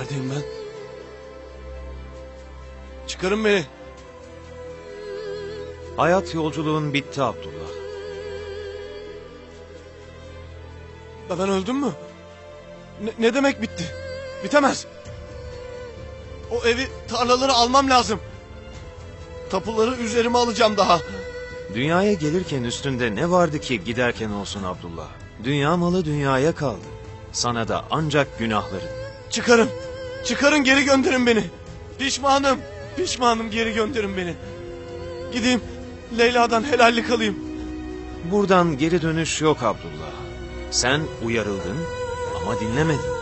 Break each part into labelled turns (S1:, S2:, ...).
S1: Neredeyim ben? Çıkarın beni.
S2: Hayat yolculuğun bitti Abdullah.
S1: Ben öldüm mü? Ne demek bitti? Bitemez. O evi, tarlaları almam lazım. Tapuları üzerime alacağım daha.
S2: Dünyaya gelirken üstünde ne vardı ki giderken olsun Abdullah? Dünya malı dünyaya kaldı. Sana da ancak günahların.
S1: Çıkarın. Çıkarın, geri gönderin beni. Pişmanım. Pişmanım, geri gönderin beni. Gideyim Leyla'dan helallik alayım.
S2: Buradan geri dönüş yok Abdullah. Sen uyarıldın ama dinlemedin.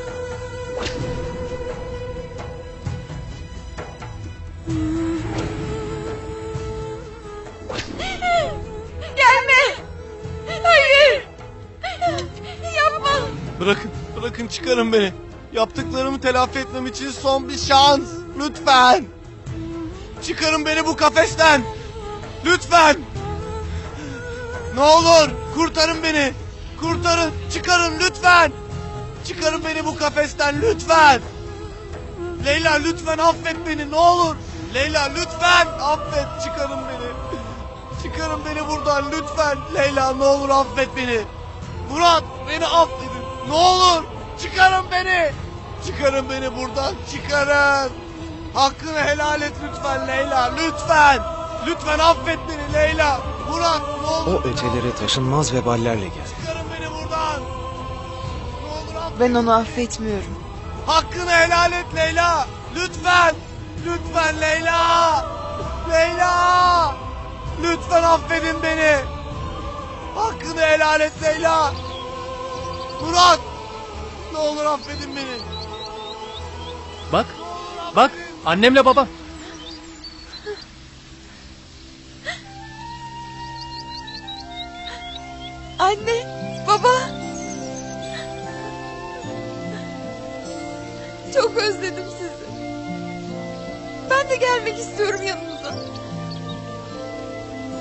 S3: Gelme! Hayır! Yapma!
S1: Bırakın çıkarın beni. Yaptıklarımı telafi etmem için son bir şans. Lütfen. Çıkarın beni bu kafesten. Lütfen. Ne olur kurtarın beni. Kurtarın, çıkarın lütfen. Çıkarın beni bu kafesten lütfen. Leyla lütfen affet beni, ne olur. Leyla lütfen affet, çıkarın beni. Çıkarın beni buradan lütfen. Leyla ne olur affet beni. Murat beni affedin. Ne olur çıkarın beni. Çıkarın beni buradan, çıkarın. Hakkını helal et lütfen Leyla, lütfen. Lütfen affet beni Leyla. Murat ne olur.
S2: O ötelere taşınmaz veballerle gel.
S1: Çıkarın beni buradan. Ne olur affet.
S3: Ben onu affetmiyorum.
S1: Hakkını helal et Leyla. Lütfen. Lütfen Leyla. Leyla. Lütfen affedin beni. Hakkını helal et Leyla. Murat. Ne olur affedin beni.
S4: Bak, bak annemle baba.
S3: Anne, baba. Çok özledim sizi. Ben de gelmek istiyorum yanınıza.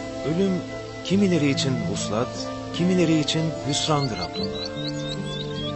S2: Ölüm kimileri için vuslat, kimileri için hüsrandır Abdullah.